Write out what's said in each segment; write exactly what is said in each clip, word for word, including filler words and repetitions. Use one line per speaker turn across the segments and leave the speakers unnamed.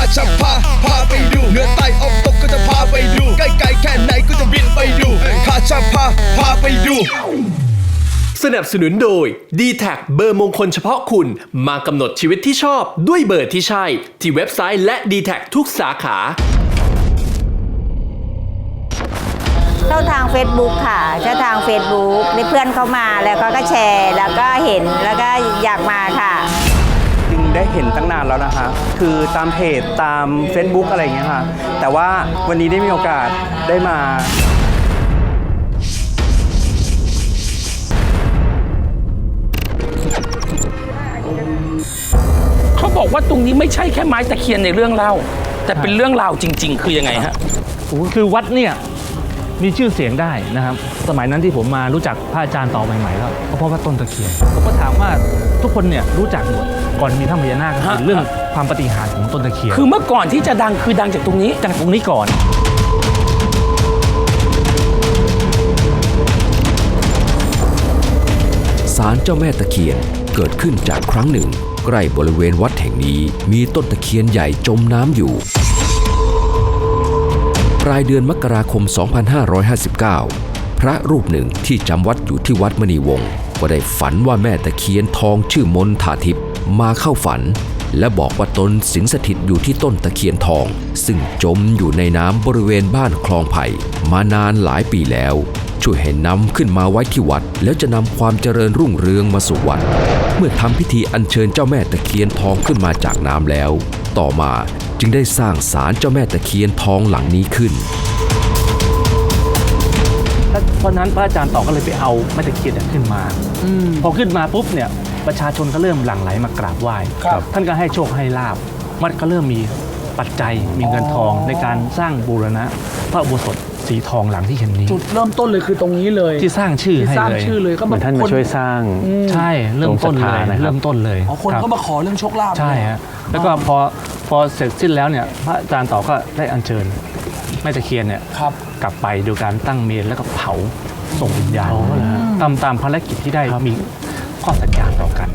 จะพาพาไปดูเหนือใต้ออกตกก็จะพาไปดูใกล้ๆแค่ไหนก็จะบินไปดูข้าจะพาพาไปดู
สนับสนุนโดย ดี แท็ก เบอร์มงคลเฉพาะคุณมากำหนดชีวิตที่ชอบด้วยเบอร์ที่ใช่ที่เว็บไซต์และ ดี แท็ก ทุกสาขา
เข้าทาง Facebook ค่ะเข้าทาง Facebook ได้เพื่อนเข้ามาแล้วก็ก็แชร์แล้วก็เห็นแล้วก็อยากมาค่ะ
จริงได้เห็นตั้งนานแล้วนะคะคือตามเพจตาม Facebook อะไรอย่างเงี้ยค่ะแต่ว่าวันนี้ได้มีโอกาสได้มา
เขาบอกว่าตรงนี้ไม่ใช่แค่ไม้ตะเคียนในเรื่องเล่าแต่เป็นเรื่องราวจริงๆคือยังไงฮะ
คือวัดเนี่ยมีชื่อเสียงได้นะครับสมัยนั้นที่ผมมารู้จักพระอาจารย์ต่อใหม่ๆแล้วก็เพราะว่าต้นตะเคียนผมก็ถามว่าทุกคนเนี่ยรู้จักหมดก่อนมีถ้ำพญานาคก็คือเรื่องความปาฏิหาริย์ของต้นตะเคียน
คือเมื่อก่อนที่จะดังคือดังจากตรงนี้
จากตรงนี้ก่อน
ศาลเจ้าแม่ตะเคียนเกิดขึ้นจากครั้งหนึ่งใกล้บริเวณวัดแห่งนี้มีต้นตะเคียนใหญ่จมน้ำอยู่ปลายเดือนมกราคม สองพันห้าร้อยห้าสิบเก้า พระรูปหนึ่งที่จำวัดอยู่ที่วัดมณีวงศ์ก็ได้ฝันว่าแม่ตะเคียนทองชื่อมนทาทิพย์มาเข้าฝันและบอกว่าตนสิงสถิตอยู่ที่ต้นตะเคียนทองซึ่งจมอยู่ในน้ำบริเวณบ้านคลองไผ่มานานหลายปีแล้วช่วยให้นำขึ้นมาไว้ที่วัดแล้วจะนำความเจริญรุ่งเรืองมาสู่วัดเมื่อทำพิธีอัญเชิญเจ้าแม่ตะเคียนทองขึ้นมาจากน้ำแล้วต่อมาจึงได้สร้างศาลเจ้าแม่ตะเคียนทองหลังนี้ขึ้น
เพราะนั้นพระอาจารย์ต่อก็เลยไปเอาแม่ตะเคียนขึ้นมาพอขึ้นมาปุ๊บเนี่ยประชาชนก็เริ่มหลั่งไหลมากราบไหว้ท่านก็ให้โชคให้ลาภวัดก็เริ่มมีปัจจัยมีเงินทองในการสร้างบูรณะพระอุโบสถสีทองหลังที่เห็นนี้
จุดเริ่มต้นเลยคือตรงนี้เลย
ที่สร้างชื่อให้เลย
สร้างชื่อเลยก็เหมือน
ท่านมาช่วยสร้าง
ใช่เริ่มต้นเลยเริ่มต้นเลย
อ๋อคนก็มาขอเรื่องโชคลาภ
ใช่ฮะแล้วก็พอพอเสร็จสิ้นแล้วเนี่ยพระอาจารย์ต่อก็ได้อัญเชิญแม่ตะเคียนเนี่ยกลับไปโดยการตั้งเมรุแล้วก็เผาส่งวิญญาณตามตามภารกิจที่ได้มีข้อสัญญาต่อกัน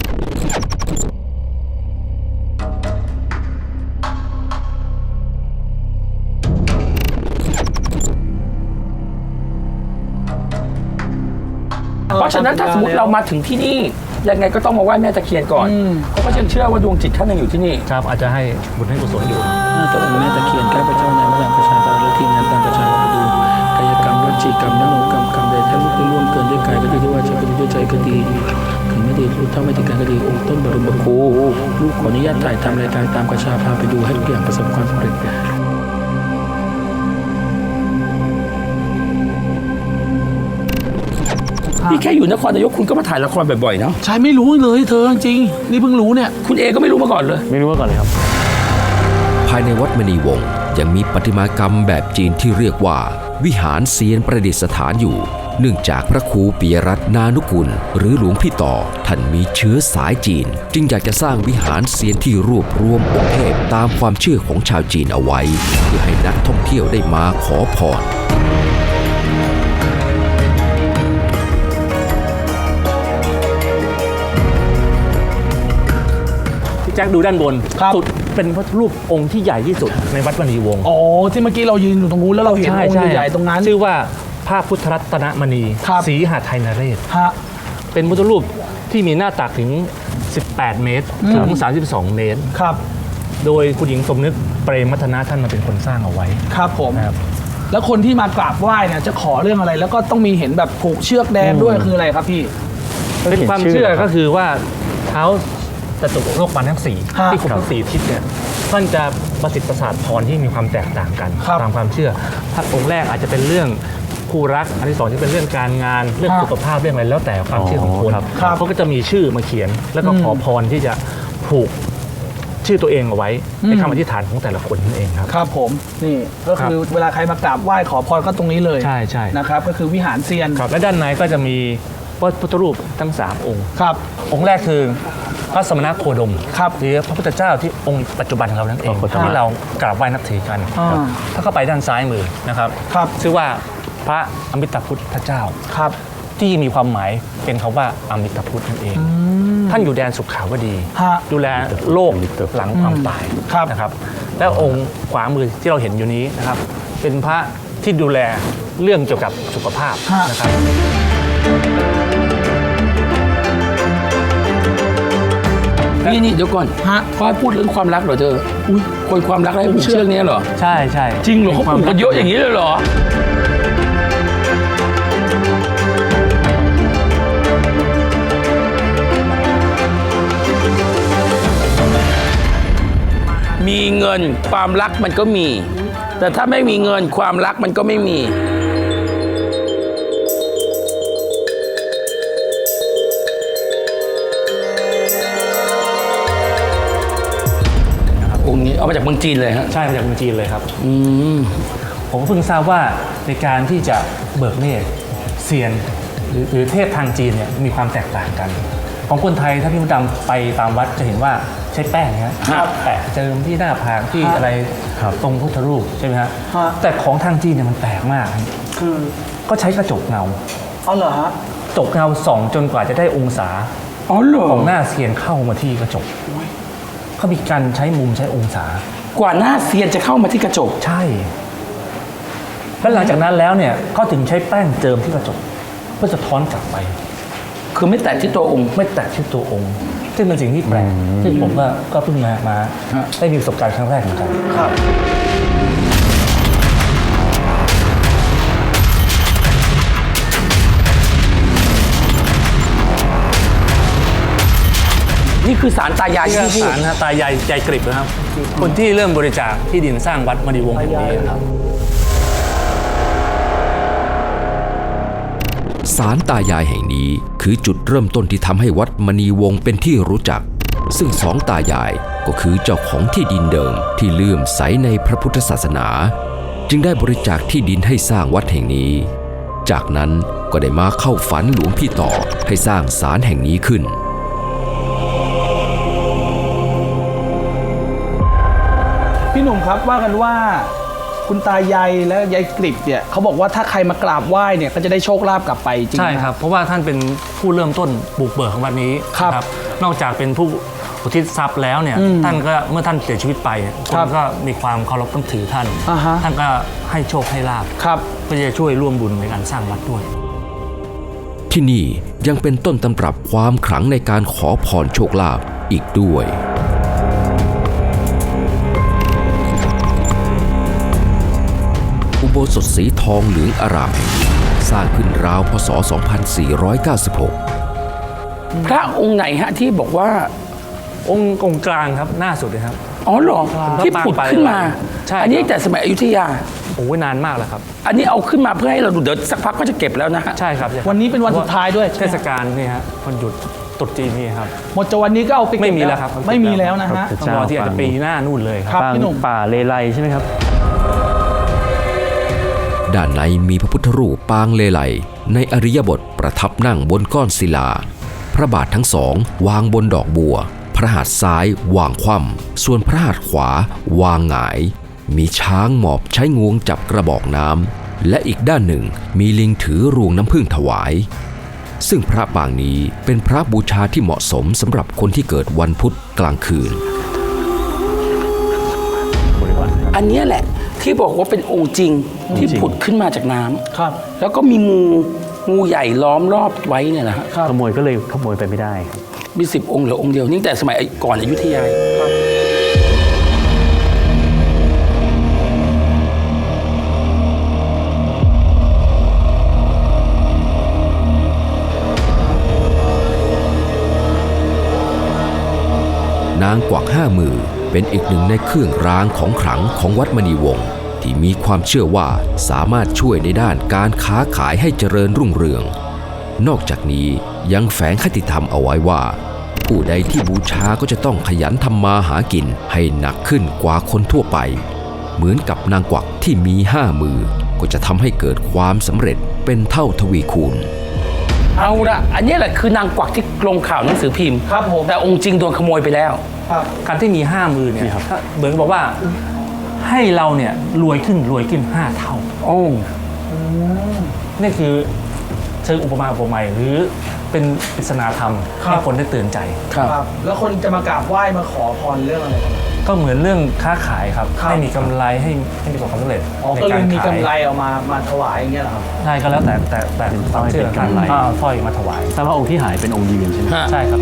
เพราะฉะนั้นถ้าสมมติเรามาถึงที่นี่ยังไงก็ต้องมาไหว้แม่ตะเคียนก่อนเพราะว่าฉันเชื่อว่าดวงจิตท่านยังอยู่ที่นี่
ครับอาจจะให้บุญให้กุศลอยู่
เจ้าองค์แม่ตะเคียนใกล้พระเจ้านายพระนางประชาชนและทีมงานตามประชาชนดูกายกรรมวจีกรรมมโนกรรมกรรมใดถ้าลูกได้ร่วมเกินด้วยกายก็ดีด้วยวาจาก็ดีด้วยใจก็ดีถึงไม่ดีรู้เท่าไม่ถึงการก็ดีองค์ต้นบรมครูลูกขออนุญาตถ่ายทำรายการตามประชาพาไปดูให้ทุกอย่างประสบความสำเร็จนี่แค่อยู่นครนายกคุณก็มาถ่ายละครบ่อยๆเนาะ
ใช่ไม่รู้เลยเธอจริงนี่เพิ่งรู้เนี่ย
คุณเอก็ไม่รู้มาก่อนเลย
ไม่รู้มาก่อนเลยครับ
ภายในวัดมณีวงศ์ยังมีประติมากรรมแบบจีนที่เรียกว่าวิหารเซียนประดิษฐานอยู่เนื่องจากพระครูปิยรัตน์นานุกุลหรือหลวงพี่ต่อท่านมีเชื้อสายจีนจึงอยากจะสร้างวิหารเซียนที่รวบรวมองค์เทพตามความเชื่อของชาวจีนเอาไว้เพื่อให้นักท่องเที่ยวได้มาขอพร
แจ็คดูด้านบนสุดเป็นพระรูปองค์ที่ใหญ่ที่สุดในวัดมณีวงศ์
อ๋อที่เมื่อกี้เรายืนอยู่ตรงนู้นแล้วเราเห็นองค์ใหญ่ๆตรงนั้น
ชื่อว่าพระพุทธรัตนมณีศรีหาไทยนเรศเป็นพุทธรูปที่มีหน้าตักถึงสิบแปดเมตรถึงสามสิบสองเมตร
ครับ
โดยคุณหญิงสมนึกเปรมมัทนาท่านมาเป็นคนสร้างเอาไว้
ครับผมแล้วคนที่มากราบไหว้เนี่ยจะขอเรื่องอะไรแล้วก็ต้องมีเห็นแบบผูกเชือกแดงด้วยคืออะไรครับพี่
เป็นความเชื่อก็คือว่าเท้าจตุโลกบาลทั้งสี่ที่ครบทั้งสี่ทิศเนี่ยท่านจะประสิทธิ์ประสาทพรที่มีความแตกต่างกันตามความเชื่อพระองค์แรกอาจจะเป็นเรื่องคู่รักอันที่สองจะเป็นเรื่องการงานเรื่องสุขภาพเรื่องอะไรแล้วแต่ความเชื่อของคนเขาก็จะมีชื่อมาเขียนแล้วก็ขอพรที่จะผูกชื่อตัวเองเอาไว้ในคำอธิษฐานของแต่ละคนนั่นเองครับ
ครับผมนี่ก็คือเวลาใครมากราบไหว้ขอพรก็ตรงนี้เลย
ใช่ใช่
นะครับก็คือวิหารเซียน
และด้านในก็จะมีพระพุทธรูปทั้งสามองค์
ครับ
องค์แรกคือพระสมณโคดมครับหรือพระพุทธเจ้าที่องค์ปัจจุบันของเรานั่นเองที่เรากราบไหว้นับถือกันถ้าเข้าไปด้านซ้ายมือนะครับชื่อว่าพระอมิตาพุทธเจ้า
ครับ
ที่มีความหมายเป็นคำว่าอมิตาพุทธนั่นเองท่านอยู่แดนสุขขาวดีดูแลโลกหลังความตายนะครับและองค์ขวามือที่เราเห็นอยู่นี้นะครับเป็นพระที่ดูแลเรื่องเกี่ยวกับสุขภาพนะครับ
นี่นี่เดี๋ยวก่อนฮะพ่อพูดเรื่องความรักเหรอเธออุ้ยคนความรักอะไรผูกเชือกนี้เหรอ
ใช่ใช่
จริงเหรอเขาผูกกันเยอะอย่างนี้เลยเหรอมีเงินความรักมันก็มีแต่ถ้าไม่มีเงินความรักมันก็ไม่มีองค์นี้เอามาจากเมืองจีนเลยฮะ
ใช่มาจากเมืองจีนเลยครับ
อืม
ผมเพิ่งทราบว่าในการที่จะเบิกเนตรเซียนหรือหรือเทพทางจีนเนี่ยมีความแตกต่างกัน ของคนไทยถ้าพี่มดดำไปตามวัดจะเห็นว่าใช้แป้งนะฮะแปะเจิมที่หน้าผากที่อะไรตรงพุทธรูปใช่ไหมฮะแต่ของทางจีนเนี่ยมันแปลกมากคือก็ใช้กระจกเงา
อ๋อเหรอฮะ
กระจกเงาส่องจนกว่าจะได้องศา
อ๋อเหรอ
ของหน้าเซียนเข้ามาที่กระจกเขามีการใช้มุมใช้องศาก
ว่าหน้าเซียนจะเข้ามาที่กระจก
ใช่แล้วหลังจากนั้นแล้วเนี่ยเขาถึงใช้แป้งเจิมที่กระจกเพื่อสะท้อนกลับไป
คือไม่แตะที่ตัวองค์
ไม่แตะที่ตัวองค์ซึ่งเป็นสิ่งที่แปลกซึ่งผมก็ก็เพิ่งมามาได้มีประสบการณ์ครั้งแรกเหมือนกันครับ
นี่คือศาลตายาย
ที่ศาลนะตายายยายกริบนะครับคนที่เริ่มบริจาคที่ดินสร้างวัดมณีวงศ์แห่งนี้ครับ
ศาลตายายแห่งนี้คือจุดเริ่มต้นที่ทำให้วัดมณีวงศ์เป็นที่รู้จักซึ่งสองตายายก็คือเจ้าของที่ดินเดิมที่เลื่อมใสในพระพุทธศาสนาจึงได้บริจาคที่ดินให้สร้างวัดแห่งนี้จากนั้นก็ได้มาเข้าฝันหลวงพี่ต่อให้สร้างศาลแห่งนี้ขึ้น
พี่หนุ่มครับว่ากันว่าคุณตายายและยายกริบเนี่ยเขาบอกว่าถ้าใครมากราบไหว้เนี่ยก็จะได้โชคลาภกลับไปจริง
ใช่ครับเพราะว่าท่านเป็นผู้เริ่มต้นบุกเบิกของวัดนี้ครับนอกจากเป็นผู้อุทิศทรัพย์แล้วเนี่ยท่านก็เมื่อท่านเสียชีวิตไปคนก็มีความเคารพนับถือท่านท่านก็ให้โชคให้ลาภเพื่อจะช่วยร่วมบุญในการสร้างวัดด้วย
ที่นี่ยังเป็นต้นตำรับความขลังในการขอพรโชคลาภอีกด้วยอุโบสถสีทองเหลืองอร่ามสร้างขึ้นราวพ.ศ. สองพันสี่ร้อยเก้าสิบหก
พระองค์ไหนฮะที่บอกว่า
องค์องค์กลางครับหน้าสุดเลยครับ
อ๋อหรอที่ผุดขึ้นมาอันนี้แต่สมัยอยุธยา
โอ้ยนานมากแล้วครับ
อันนี้เอาขึ้นมาเพื่อให้เราดูเดี๋ยวสักพักก็จะเก็บแล้วนะฮะ
ใช่ครับ
วันนี้เป็นวันสุดท้ายด้วย
เทศกาลนี่ฮะวันหยุดตรุษจีนนี่ครับ
หมดจากวันนี้ก็เอาไป
ไม่มีแล้วครับ
ไม่มีแล้วนะฮะ
ต้องรอที่อาจจะปีหน้านู่นเลย
ครับพี่หนุ่ม
ป่าเลไลใช่ไหมครับ
ด้านในมีพระพุทธรูปปางเลไลในอริยบทประทับนั่งบนก้อนศิลาพระบาททั้งสองวางบนดอกบัวพระหัตถ์ซ้ายวางคว่ำส่วนพระหัตถ์ขวาวางหงายมีช้างหมอบใช้งวงจับกระบอกน้ำและอีกด้านหนึ่งมีลิงถือรวงน้ำผึ้งถวายซึ่งพระปางนี้เป็นพระบูชาที่เหมาะสมสำหรับคนที่เกิดวันพุธกลางคืน
อันนี้แหละที่บอกว่าเป็นองค์จริงที่ผุดขึ้นมาจากน้ำครับแล้วก็มีงูงูใหญ่ล้อมรอบไว้เนี่ยนะฮะ
ขโมยก็เลยขโมยไปไม่ได้ครับ
มีสิบองค์เหลือองค์เดียวนี่แต่สมัยก่อนอยุธยา
นางกวักห้ามือเป็นอีกหนึ่งในเครื่องรางของขลังของวัดมณีวงศ์ที่มีความเชื่อว่าสามารถช่วยในด้านการค้าขายให้เจริญรุ่งเรืองนอกจากนี้ยังแฝงคติธรรมเอาไว้ว่าผู้ใดที่บูชาก็จะต้องขยันทำมาหากินให้หนักขึ้นกว่าคนทั่วไปเหมือนกับนางกวักที่มีห้ามือก็จะทำให้เกิดความสำเร็จเป็นเท่าทวีคูณ
เอาละอันนี้แหละคือนางกวักที่ลงข่าวหนังสือพิมพ์ครับผมแต่องค์จริงโดนขโมยไปแล้ว
การที่มีห้ามือเนี่ยเหมือนบอกว่าให้เราเนี่ยรวยขึ้นรวยขึ้นห้าเท่า
โอ้
นี่คือเชิงอุปมาอุปไมยหรือเป็นปริศนาธรรมให้คนได้ตื่นใจ
ครับแล้วคนจะมากราบไหว้มาขอพรเรื่องอะไรกัน
ก็เหมือนเรื่องค้าขายครับให้มีกำไรให้ให้มีความสำเร็จ
อ๋อ
ใน
ก็เล
การ
ยมี
ขาย
กำไรเอามามาถวายอย่างเงี้ยเหรอครับ
ใช่ก็แล้วแต่แต่แต่ความเชื่อกันก็เอาสร้อยมาถวาย
ทราบว่าองค์ที่หายเป็นองค์ยืนใช่ไหม
ใช่ครับ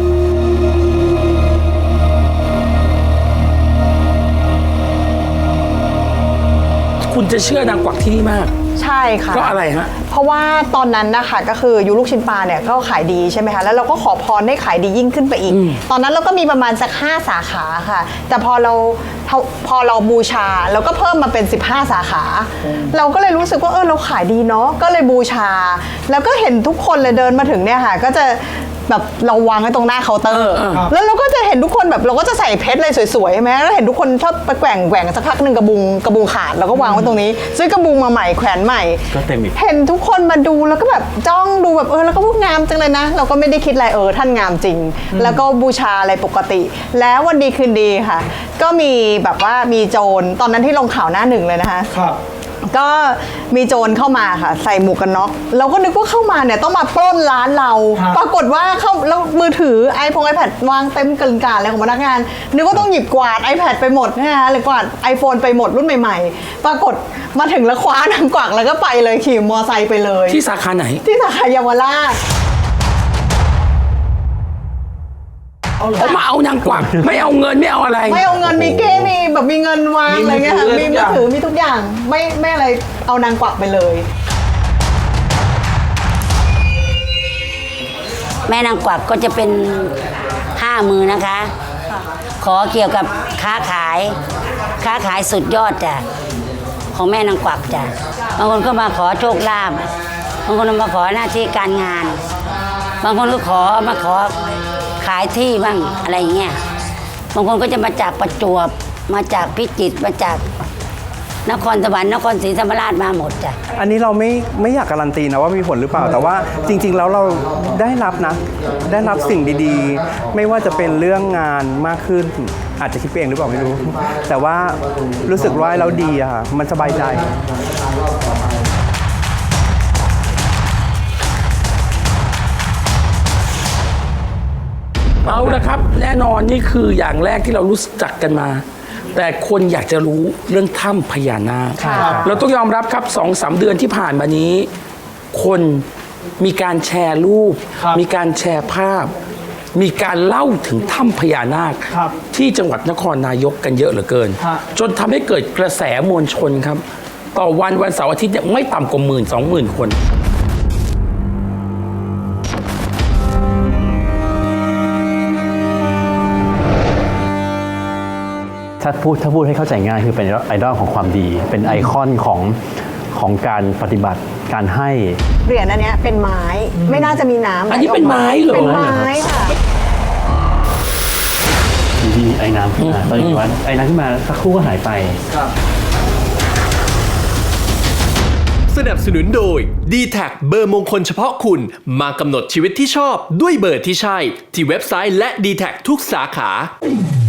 คุณจะเชื่อนางกวักที่นี่มาก
ใช่ค่ะ
เพราะอะไรฮะ
เพราะว่าตอนนั้นนะคะก็คือยูลูกชิ้นปลาเนี่ยก็ขายดีใช่ไหมคะแล้วเราก็ขอพรให้ขายดียิ่งขึ้นไปอีก ตอนนั้นเราก็มีประมาณสักห้าสาขาค่ะ แต่พอเราพอพอเราบูชาเราก็เพิ่มมาเป็นสิบห้าสาขา เราก็เลยรู้สึกว่าเออเราขายดีเนาะก็เลยบูชา แล้วก็เห็นทุกคนเลยเดินมาถึงเนี่ยค่ะก็จะแบบเราวางไว้ตรงหน้าเคาน์เตอร์แล้วเราก็จะเห็นทุกคนแบบเราก็จะใส่เพชรเลยสวยๆใช่ไหมแล้วเห็นทุกคนชอบไปแกว่งแกว่งสักพักหนึ่งกระบุงกระบุงขาดเราก็วางไว้ตรงนี้ซื้อกระบุงมาใหม่แขวนใหม่
ก็เต็มอีก
เห็นทุกคนมาดูแล้วก็แบบจ้องดูแบบเออแล้วก็พูดงามจังเลยนะ เราก็ไม่ได้คิดอะไรเออท่านงามจริง แล้วก็บูชาอะไรปกติ แล้ววันดีคืนดีค่ะ ก็มีแบบว่ามีโจรตอนนั้นที่ลงข่าวหน้าหนึ่งเลยนะคะ
ครับ
ก็มีโจรเข้ามาค่ะ ใส่หมวกกันน็อกเราก็นึกว่าเข้ามาเนี่ยต้องมาปล้นร้านเรา
ครับ
ปรากฏว่าเข้าแล้วมือถือไอพงไอแพดวางเต็มกระกาอะไรของพนักงาน นึกว่าต้องหยิบกวาด iPad ไปหมดนะคะหรือกวาด iPhone ไปหมดรุ่นใหม่ๆ ปรากฏมาถึงแล้วคว้านางกวักแล้วก็ไปเลยขี่มอไซค์ไปเลย
ที่สาขาไหน
ที่สาขาเยาวราช
เขามาเอานางกวัก ไม่เอาเงินไม่เอาอะไร
ไม่เอาเงินมีเก้มีแบบมีเงินวางอะไรเงี้ยค่ะมีมือถือมีทุกอย่างไม่ไม่อะไรเอานางกวักไปเลย
แม่นางกวักก็จะเป็นห้ามือนะคะ ขอเกี่ยวกับค้าขาย ค้าขายสุดยอดจ้ะของแม่นางกวักจ้ะบางคนก็มาขอโชคลาภบางคนมาขอหน้าที่การงาน บางคนก็ขอมาขอขายที่บ้างอะไรอย่างเงี้ยบางคนก็จะมาจากประจวบมาจากพิจิตรมาจากนครสวรรค์นครศรีธรรมราชมาหมดจ้ะ
อันนี้เราไม่ไม่อยากการันตีนะว่ามีผลหรือเปล่า แต่ว่าจริง ๆ แล้วเราได้รับนะ ได้รับสิ่งดีๆ ไม่ว่าจะเป็นเรื่องงานมากขึ้น อาจจะคิดเองหรือเปล่าไม่รู้ แต่ว่ารู้สึกว่าเราดีอะค่ะมันสบายใจ
เอาละครับ แน่นอนนี่คืออย่างแรกที่เรารู้จักกันมา แต่คนอยากจะรู้เรื่องถ้ำพญานาค
ค่ะ
เราต้องยอมรับครับสองสามเดือนที่ผ่านมานี้ คนมีการแชร์รูป มีการแชร์ภาพ มีการเล่าถึงถ้ำพญานาค
ครับ
ที่จังหวัดนครนายกกันเยอะเหลือเกิน
ฮะ
จนทำให้เกิดกระแสมวลชนครับ ต่อวันวันเสาร์อาทิตย์เนี่ยไม่ต่ำกว่าหมื่นสองหมื่นคน
ถ้าพูดถ้าพูดให้เข้าใจง่ายคือเป็นไอดอลของความดี เป็นไอคอนของของการปฏิบัติการให้
เหรียญอันเนี้ยเป็นไม้ไม่น่าจะมีน้ำ
อันนี้เป็นไม้เหรอ
เป็นไม้ค่ะ
มีไอ้น้ำขึ้นมาตอนนี้ว่าไอ้น้ำขึ้นมาสักครู่ก็หายไป
สนับสนุนโดย ดี แท็ก เบอร์มงคลเฉพาะคุณ มากำหนดชีวิตที่ชอบด้วยเบอร์ที่ใช่ ที่เว็บไซต์และ ดี แท็ก ทุกสาขา